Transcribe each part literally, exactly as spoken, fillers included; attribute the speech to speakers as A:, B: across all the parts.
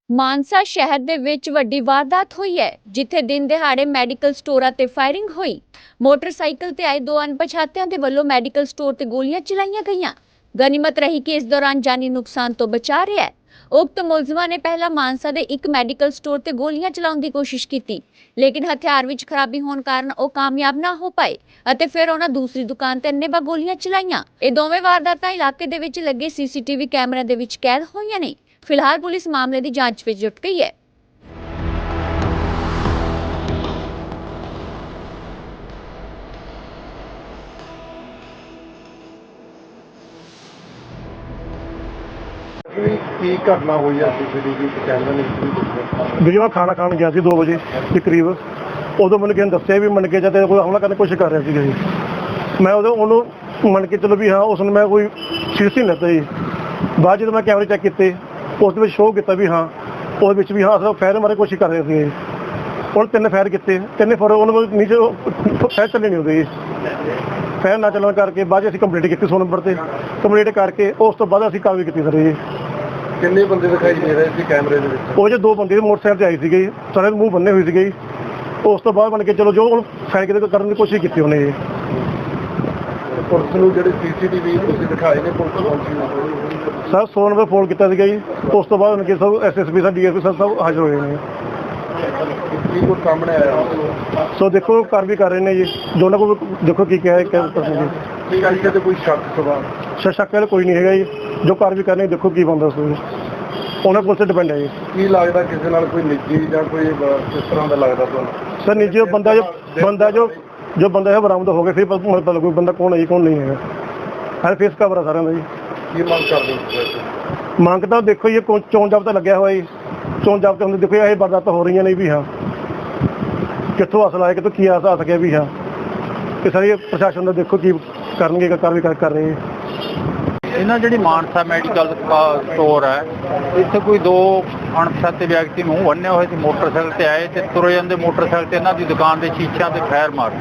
A: ਮਾਨਸਾ ਸ਼ਹਿਰ ਦੇ ਵਿੱਚ ਵੱਡੀ ਵਾਰਦਾਤ ਹੋਈ ਹੈ, ਜਿੱਥੇ ਦਿਨ ਦਿਹਾੜੇ ਮੈਡੀਕਲ ਸਟੋਰਾਂ ਤੇ ਫਾਇਰਿੰਗ ਹੋਈ। ਮੋਟਰਸਾਈਕਲ ਤੇ ਆਏ ਦੋ ਅਣਪਛਾਤਿਆਂ ਦੇ ਵੱਲੋਂ ਮੈਡੀਕਲ ਸਟੋਰ ਤੇ ਗੋਲੀਆਂ ਚਲਾਈਆਂ ਗਈਆਂ। ਗਨੀਮਤ ਰਹੀ ਕਿ ਇਸ ਦੌਰਾਨ ਜਾਨੀ ਨੁਕਸਾਨ ਤੋਂ ਬਚਾ ਰਿਹਾ ਹੈ। ਉਕਤ ਮੁਲਜ਼ਮਾਂ ਨੇ ਪਹਿਲਾਂ ਮਾਨਸਾ ਦੇ ਇੱਕ ਮੈਡੀਕਲ ਸਟੋਰ ਤੇ ਗੋਲੀਆਂ ਚਲਾਉਣ ਦੀ ਕੋਸ਼ਿਸ਼ ਕੀਤੀ, ਲੇਕਿਨ ਹਥਿਆਰ ਵਿੱਚ ਖਰਾਬੀ ਹੋਣ ਕਾਰਨ ਉਹ ਕਾਮਯਾਬ ਨਾ ਹੋ ਪਾਏ ਅਤੇ ਫਿਰ ਉਹਨਾਂ ਦੂਸਰੀ ਦੁਕਾਨ ਤੇ ਅੰਨ੍ਹੇਵਾਹ ਗੋਲੀਆਂ ਚਲਾਈਆਂ। ਇਹ ਦੋਵੇਂ ਵਾਰਦਾਤਾਂ ਇਲਾਕੇ ਦੇ ਵਿੱਚ ਲੱਗੇ ਸੀਸੀਟੀਵੀ ਕੈਮਰਿਆਂ ਦੇ ਵਿੱਚ ਕੈਦ ਹੋਈਆਂ ਨੇ। ਫਿਲਹਾਲ ਪੁਲਿਸ ਮਾਮਲੇ ਦੀ ਜਾਂਚ ਵਿੱਚ ਜੁਟ ਗਈ ਹੈ।
B: ਕੀ ਘਟਨਾ ਹੋਈ ਹੈ ਸੀਸੀਟੀਵੀ ਕੈਮਰੇ ਨੇ ਕੀ
C: ਵੀਰੇ ਮੈਂ ਖਾਣਾ ਖਾਣ ਗਿਆ ਸੀ ਦੋ ਵਜੇ ਦੇ ਕਰੀਬ। ਉਦੋਂ ਮੈਨੂੰ ਕਿਸੇ ਨੇ ਦੱਸਿਆ ਵੀ ਮਣਕੇ ਜਾਂ ਤੇ ਕੋਈ ਹਮਲਾ ਕਰਨ ਦੀ ਕੋਸ਼ਿਸ਼ ਕਰ ਰਿਹਾ ਸੀਗਾ ਜੀ। ਮੈਂ ਉਦੋਂ ਉਹਨੂੰ ਮੰਨ ਕੇ ਚਲੋ ਵੀ ਹਾਂ ਉਸ ਨੂੰ ਮੈਂ ਕੋਈ ਸੀਰੀਅਸ ਨਹੀਂ ਲੈਂਦਾ ਜੀ। ਬਾਅਦ ਜਦੋਂ ਮੈਂ ਕੈਮਰੇ ਚੈੱਕ ਕੀਤੇ ਉਸ ਦੇ ਵਿੱਚ ਸ਼ੋਅ ਕੀਤਾ ਵੀ ਹਾਂ ਉਹਦੇ ਵਿੱਚ ਵੀ ਹਾਂ ਅਸਲ ਫਾਇਰ ਮਾਰਨ ਦੀ ਕੋਸ਼ਿਸ਼ ਕਰ ਰਹੇ ਸੀਗੇ। ਉਹਨੇ ਤਿੰਨ ਫਾਇਰ ਕੀਤੇ, ਤਿੰਨੇ ਫਾਇਰ ਉਹਨੂੰ ਨੀਚੇ ਫਾਇਰ ਚੱਲੇ ਨਹੀਂ ਹੁੰਦੇ ਜੀ। ਫਾਇਰ ਨਾ ਚੱਲਣ ਕਰਕੇ ਬਾਅਦ ਅਸੀਂ ਕੰਪਲੀਟ ਕੀਤੀ ਸੌ ਨੰਬਰ ਤੇ। ਕੰਪਲੀਟ ਕਰਕੇ ਉਸ ਤੋਂ ਬਾਅਦ ਅਸੀਂ ਕਾਰਵਾਈ ਕੀਤੀ ਸਰ ਜੀ।
B: ਕਿੰਨੇ ਬੰਦੇ ਦਿਖਾਈ ਦੇ ਰਹੇ ਸੀ ਕੈਮਰੇ ਦੇ ਵਿੱਚ?
C: ਉਹ ਜੇ ਦੋ ਬੰਦੇ ਮੋਟਰਸਾਈਕਲ ਤੇ ਆਏ ਸੀਗੇ ਜੀ, ਸਾਰੇ ਮੂੰਹ ਬੰਨੇ ਹੋਏ ਸੀਗੇ ਜੀ। ਉਸ ਤੋਂ ਬਾਅਦ ਬਣ ਕੇ ਚਲੋ ਜੋ ਹੁਣ ਫਾਇਰ ਕਿਤੇ ਕਰਨ ਦੀ ਕੋਸ਼ਿਸ਼ ਕੀਤੀ ਉਹਨੇ ਜੀ।
B: ਪੁਲਿਸ ਨੂੰ ਜਿਹੜੇ ਸੀਸੀਟੀਵੀ ਤੁਸੀਂ ਦਿਖਾਏ ਨੇ ਪੁਲਿਸ ਪਹੁੰਚੀ
C: ਸਰ ਸੌ ਨੰਬਰ ਫੋਨ ਕੀਤਾ ਸੀਗਾ ਜੀ। ਉਸ ਤੋਂ ਬਾਅਦ ਉਹਨਾਂ ਸਭ ਐਸ ਐਸ ਪੀ ਸਾਹਿਬ ਡੀ ਐਸ ਪੀ ਸਾਹਿਬ ਸਭ ਹਾਜ਼ਰ ਹੋਏ ਨੇ।
B: ਕੀ ਕੁਝ ਸਾਹਮਣੇ ਆਇਆ?
C: ਸੋ ਦੇਖੋ ਕਾਰਵਾਈ ਕਰ ਰਹੇ ਨੇ ਜੀ। ਦੋਨਾਂ ਕੋਲ ਦੇਖੋ ਕੀ ਕਿਹਾ ਕਿਆ ਕਰਦੇ ਜੀ।
B: ਕੀ ਗੱਲ ਤੇ ਕੋਈ ਸ਼ੱਕ ਸਵਾਲ?
C: ਸ਼ੱਕ ਵਾਲਾ ਕੋਈ ਨਹੀਂ ਹੈਗਾ ਜੀ। ਜੋ ਕਾਰਵਾਈ ਕਰਨੀ ਦੇਖੋ ਕੀ ਬਣਦਾ ਉਸ ਵਿੱਚ ਉਹਨਾਂ ਕੋਲ ਤੇ ਡਿਪੈਂਡ ਹੈ ਜੀ।
B: ਕੀ ਲੱਗਦਾ ਕਿਸੇ ਨਾਲ ਕੋਈ ਨਿੱਜੀ ਜਾਂ ਕੋਈ ਕਿਸ ਤਰ੍ਹਾਂ ਦਾ ਲੱਗਦਾ ਤੁਹਾਨੂੰ?
C: ਸਰ ਨਿੱਜੀ ਬੰਦਾ ਜੋ ਬੰਦਾ ਜੋ ਜੋ ਬੰਦਾ ਹੈ ਬਰਾਮਦ ਹੋ ਗਿਆ ਫਿਰ ਪਤਾ ਲੱਗੂ ਬੰਦਾ ਕੌਣ ਹੈ ਜੀ ਕੌਣ ਨਹੀਂ ਹੈਗਾ। ਹਰ ਫੇਸ ਕਵਰ ਆ ਸਾਰਿਆਂ ਦਾ ਜੀ।
B: ਕੀ ਮੰਗ ਕਰਦੇ ਹੋ?
C: ਮੰਗ ਤਾਂ ਦੇਖੋ ਜੀ ਚੋਣ ਜਾਬਤਾ ਲੱਗਿਆ ਹੋਇਆ ਜੀ। ਚੋਣ ਜਾਬਤੇ ਹੁੰਦੇ ਦੇਖੋ ਇਹ ਵਾਰਦਾਤਾਂ ਹੋ ਰਹੀਆਂ ਨੇ ਵੀ ਹਾਂ ਕਿੱਥੋਂ ਅਸਲ ਆਇਆ ਕਿੱਥੋਂ ਕੀ ਆਸ ਆ ਸਕਿਆ ਵੀ ਹਾਂ ਇਹ ਸਾਰੀ ਪ੍ਰਸ਼ਾਸਨ ਦਾ ਦੇਖੋ ਕੀ ਕਰਨਗੇ ਕਾਰਵਾਈ ਕਰ ਰਹੇ।
D: ਇਹਨਾਂ ਜਿਹੜੀ ਮਾਨਸਾ ਮੈਡੀਕਲ ਸਟੋਰ ਹੈ ਇੱਥੇ ਕੋਈ ਦੋ ਅਣਪਛਾਤੇ ਵਿਅਕਤੀ ਮੂੰਹ ਬੰਨੇ ਹੋਏ ਸੀ, ਮੋਟਰਸਾਈਕਲ ਤੇ ਆਏ ਤੇ ਤੁਰੇ ਜਾਂਦੇ ਮੋਟਰਸਾਈਕਲ ਤੇ ਇਹਨਾਂ ਦੀ ਦੁਕਾਨ ਦੇ ਸ਼ੀਸ਼ਿਆਂ ਤੇ ਫਾਇਰ ਮਾਰ।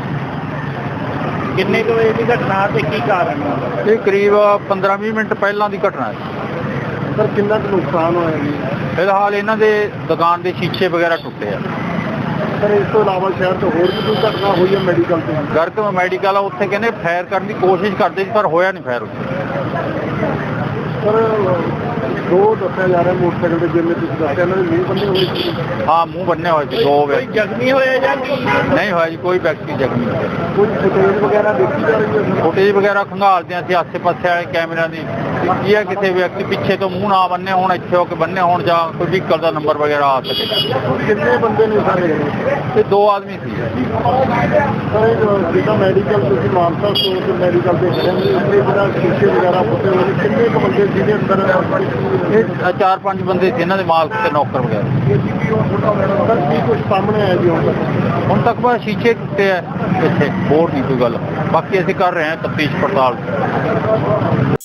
E: ਕਿੰਨੇ ਕੁ ਵਜੇ ਦੀ ਘਟਨਾ ਤੇ ਕੀ ਕਾਰਨ?
D: ਇਹ ਕਰੀਬ ਪੰਦਰਾਂ ਵੀਹ ਮਿੰਟ ਪਹਿਲਾਂ ਦੀ ਘਟਨਾ ਹੈ।
B: ਸਰ ਕਿੰਨਾ ਕੁ ਨੁਕਸਾਨ ਹੋਇਆ ਜੀ?
D: ਫਿਲਹਾਲ ਇਹਨਾਂ ਦੇ ਦੁਕਾਨ ਦੇ ਸ਼ੀਸ਼ੇ ਵਗੈਰਾ ਟੁੱਟੇ ਆ।
B: ਸਰ ਇਸ ਤੋਂ ਇਲਾਵਾ ਸ਼ਹਿਰ ਤੋਂ ਹੋਰ ਵੀ ਕੋਈ ਘਟਨਾ ਹੋਈ ਹੈ ਮੈਡੀਕਲ ਤੇ?
D: ਗਰਕ ਮੈਡੀਕਲ ਆ ਉੱਥੇ ਕਹਿੰਦੇ ਫਾਇਰ ਕਰਨ ਦੀ ਕੋਸ਼ਿਸ਼ ਕਰਦੇ ਸੀ ਪਰ ਹੋਇਆ ਨਹੀਂ ਫਾਇਰ ਉੱਥੇ।
B: ਸਰ ਦੋ ਦੱਸਿਆ ਜਾ ਰਿਹਾ ਮੋਟਰਸਾਈਕਲ ਤੇ ਜਿਵੇਂ ਤੁਸੀਂ ਦੱਸਿਆ ਇਹਨਾਂ ਦੇ ਮੂੰਹ ਬੰਨੇ ਹੋਏ ਸੀ।
D: ਹਾਂ ਮੂੰਹ ਬੰਨੇ ਹੋਏ ਸੀ ਦੋ
E: ਕੋਈ
D: ਵਿਅਕਤੀ।
E: ਜ਼ਖਮੀ ਹੋਇਆ ਜਾਂ ਕੀ?
D: ਨਹੀਂ ਹੋਇਆ ਜੀ ਕੋਈ ਵਿਅਕਤੀ ਜ਼ਖਮੀ ਨਹੀਂ ਹੋਇਆ।
B: ਕੋਈ ਫੁਟੇਜ ਵਗੈਰਾ ਦੇਖੀ ਜਾ ਰਹੀ ਹੈ?
D: ਫੁਟੇਜ ਵਗੈਰਾ ਖੰਗਾਲਦੇ ਅਸੀਂ ਆਸੇ ਪਾਸੇ ਵਾਲੇ ਕੈਮਰਿਆਂ ਦੀ ਕੀ ਹੈ ਕਿਸੇ ਵਿਅਕਤੀ ਪਿੱਛੇ ਤੋਂ ਮੂੰਹ ਨਾ ਬੰਨੇ ਹੋਣ, ਇੱਥੇ ਹੋ ਕੇ ਬੰਨੇ ਹੋਣ ਜਾਂ ਕੋਈ ਵਹੀਕਲ ਦਾ ਨੰਬਰ ਵਗੈਰਾ ਆ ਸਕੇ।
B: ਕਿੰਨੇ ਬੰਦੇ ਨੇ ਸਾਰੇ?
D: ਤੇ ਦੋ ਆਦਮੀ ਸੀ।
B: ਸਰ ਇਹ ਜਿਹੜਾ ਮੈਡੀਕਲ ਤੁਸੀਂ ਮਾਨਸਾ ਸਟੋਰ ਤੇ ਮੈਡੀਕਲ ਦੇ ਖੜੇ ਨੇ ਇੱਥੇ ਜਿਹੜਾ ਸ਼ੀਸ਼ੇ ਵਗੈਰਾ ਫੁੱਟੇ ਹੋਏ ਨੇ ਕਿੰਨੇ ਕੁ ਬੰਦੇ ਜਿਹਦੇ ਅੰਦਰ
D: ਇਹ ਚਾਰ ਪੰਜ ਬੰਦੇ ਸੀ ਇਹਨਾਂ ਦੇ ਮਾਲਕ ਤੇ ਨੌਕਰ ਵਗੈਰਾ।
B: ਸਰ ਕੀ ਕੁਝ ਸਾਹਮਣੇ ਆਇਆ ਜੀ ਹੁਣ ਤੱਕ?
D: ਹੁਣ ਤੱਕ ਬਸ ਸ਼ੀਸ਼ੇ ਟੁੱਟੇ ਆ ਇੱਥੇ, ਹੋਰ ਨਹੀਂ ਕੋਈ ਗੱਲ। ਬਾਕੀ ਅਸੀਂ ਕਰ ਰਹੇ ਹਾਂ ਤਫਤੀਸ਼ ਪੜਤਾਲ।